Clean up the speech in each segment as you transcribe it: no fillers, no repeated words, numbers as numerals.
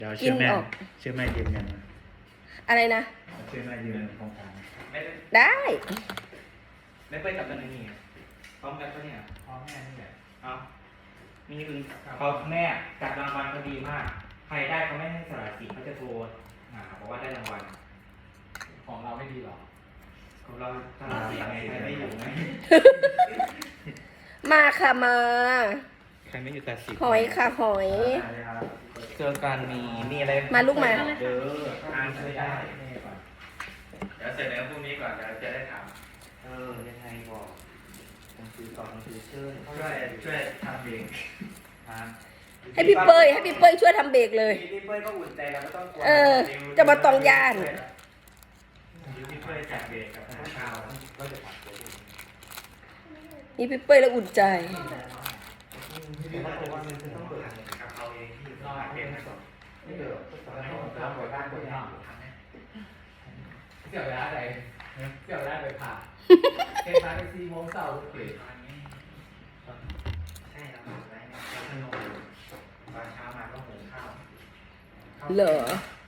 เดี๋ยวกิเชื่นอแม่ออกเชื่อแม่ยืมเงินมาอะไรนะเชื่อแม่ยืมเงินโครงการไม่ได้ได้ไม่ไปกับกันนี่พร้อมกันปะเนี่ยพร้อมแม่นี่แหละเอานี่คือเขาแม่จัดรางวัลก็ดีมาก ใครได้เขาไม่ให้สละสิทธิ์เขาจะโทรหาบอกว่าได้รางวัลของเราไม่ดีหรอของเราสละสิทธิ์ไงใครไม่อยู่ไงมาค่ะมาใครไม่อยู่ตัดสิทธิ์หอยค่ะหอยเจอกันมีอะไรมาลูกมาเด้ออ่านช่วยได้เดี๋ยวเสร็จแล้วพรุ่งนี้ก่อนเดี๋ยวจะได้ถามยังไงบอกหนังสือต่อหนังสือเชิญช่วยทำเองให้พี่เป้ยช่วยทำเบรกเลยพี่เป้ยก็อุ่นใจแล้วไม่ต้องกลัวจะมาตองย่านพี่เป้ยจัดเบรกกับข้าวก็จะผัดตัวนี่พี่เป้ยแล้วอุ่นใจพี่ว่าตัวมันจะต้องเปิดกับเขาเองที่นอกเป็นสดไม่เดือดตอนนั้นผมทำบ่อยบ้านบ่อยนอกเสี่ยวเวลาใดเสี่ยวเวลาไปผ่าเก็บมาไป4 โมงเช้าเปิดใช่แล้วไว้เนี่ยขนมตอนเช้ามาก็หุงข้าวเหรอ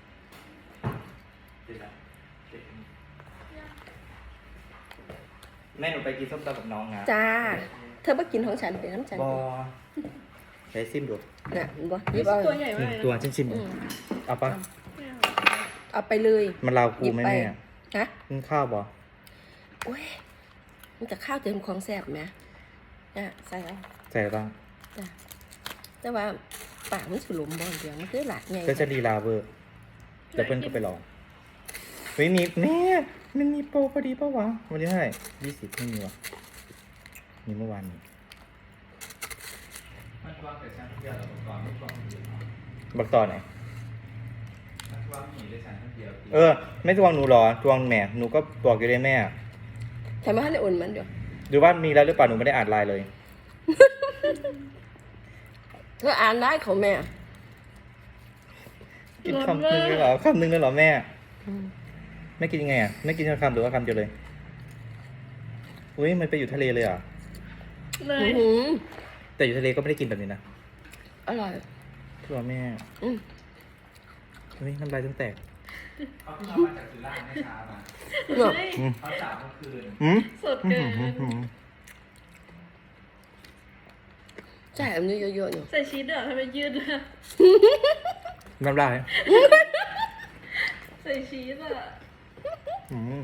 แม่หนูไปกินส้มตำกับน้องนะจ้า เธอมากินของฉันเป็นน้ำฉันบอใช้ซิมดูน่ะบ่ยิบเอาตัวใหญ่มากเลยตัวนะฉันซิมอืมเอาปะเอาไปเลยมันลาวกูไหมหยิบไปแม่ฮะกินข้าวบอโอ้ยมันจะข้าวเติมของแซ่บไหมน่ะใส่เอาใส่บ้างจ้ะแต่ว่าปากมันสุหลมบ่เดียวมันคือหลากไงก็จะดีลาเวอร์เดี๋ยวเพื่อนก็ไปลองเฮ้ยมีแม่มันมีโปรพอดีปะวะวันนี้เท่าไหร่20ไม่มีวะมีเมื่อวานนี้มันวางแต่ชั้นเดียวเราก่อนไม่วางเดียวบักต่อไหนมันวางหนีได้ชั้นเดียวไม่ทวงหนูหรอทวงแม่หนูก็บอกอยู่ได้แม่ใช่ไหมให้ได้อุ่นมันเดี๋ยวหรือว่ามีแล้วหรือเปล่าหนูไม่ได้อ่านไลน์เลยเธออ่านได้ของแม่กินคำนึงเลยเหรอคำนึงเลยเหรอแม่อืมไม่กินยังไงอ่ะไม่กินคำหรือว่าคำเดียวเลยอุ้ยมันไปอยู่ทะเลเลยอ่ะเลอื้ยอหือแต่อยู่ทะเลก็ไม่ได้กินแบบนี้นะอร่อยตัวแม่อืมเฮ้ยน้ำลายต้องแตกเขาเพิ่งเอามาจากสุราษฎร์ไม่ช้ามาเนาะเฮ้ยเขาจับเมื่อคืนอืมสดเกินใช่อันนี้เยอะๆอยู่ใส่ชีสเด้อทำไมยืดอะน้ำลายใส่ชีสอะอืม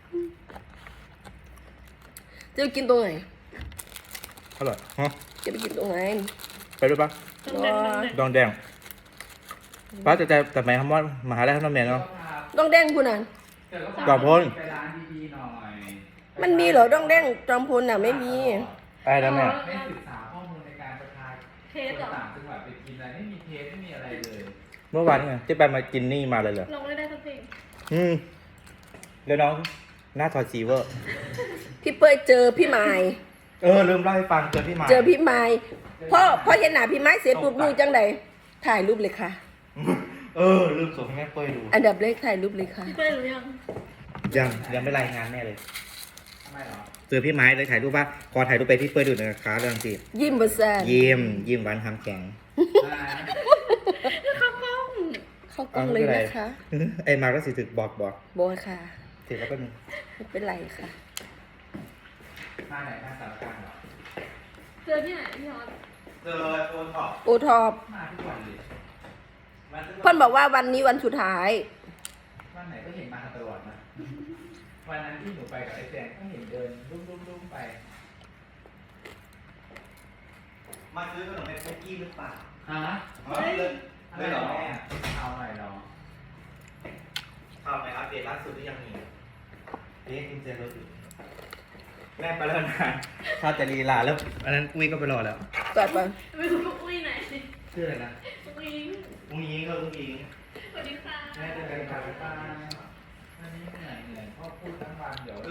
จะไปกินตรงไหนอร่อยฮะจะไปกินตรงไหนไปด้วยปะต้องแดงต้องแดงดองแดงป้าแต่หมายความว่ามหาลัยท่านน้ำแม่เนาะต้องแดงคุณน่ะดอกพ้นไปร้านดีๆหน่อยมันมีเหรอต้องแดงจอมพลน่ะไม่มีไปแล้วแม่ไม่ศึกษาข้อมูลในการประทานเทสเหรอต่างจังหวัดไปกินอะไรไม่มีเทสไม่มีอะไรเลยเมื่อวานนี่ไงที่ไปมากินนี่มาเลยเหรอลองไม่ได้สักเพลงแล้วน้องหน้าถอดสีเวอร์พี่เป้ยเจอพี่ไม้ลืมเล่าให้ฟังเจอพี่มาเจอพี่ไม้พ่อเห็นหน้าพี่ไม้เสร็จปุ๊บดูจังไดถ่ายรูปเลยค่ะลืมส่งให้แม่เป้ยดูอันดับแรกถ่ายรูปเลยค่ะพี่เป้ยรู้ยังยังไม่รายงานแม่เลยทำไมหรอเจอพี่ไม้เลยถ่ายรูปว่าขอถ่ายรูปไปพี่เป้ยดูหน่อยนะคะเรื่องสิยิ้มบแซนยิ้มหวานทำแข็งข้าวกล้องเข้ากล้องเลยนะคะไอ้มาก็สิถึกบอกบอยค่ะถึงแล้วก็มีไม่เป็นไรค่ะหน้าไหนหน้าสารกลางเหรอเจอที่ไหนพี่ฮอตเจอโอนขอบโอทอปมาทุกวันเลยเพิ่นบอกว่าวันนี้วันสุดท้ายวันไหนก็เห็นมาตลอดนะวันนั้นที่หนูไปกับไอ้แจงก็เห็นเดินรุ่มๆไปมาซื้อขนมในคุกกี้หรือเปล่าฮะเลยเหรอแม่เอาหน่อยเนาะข่าวไหนอัปเดตล่าสุดที่ยังมีคุณเจรถอยู่แม่ไปแล้วนะถ้าจะลีลาแล้วอันนั้นอุ้ยก็ไปรอแล้วก่อนไปไม่รู้ลูกอุ้ยไหนชื่ออะไรนะลูกอุ้ยอุ้งยิงก็อุ้งยิงสวัสดีค่ะแม่จะไปทำบ้านวันนี้เหนื่อยพ่อพูดทั้งวันเดี๋ยว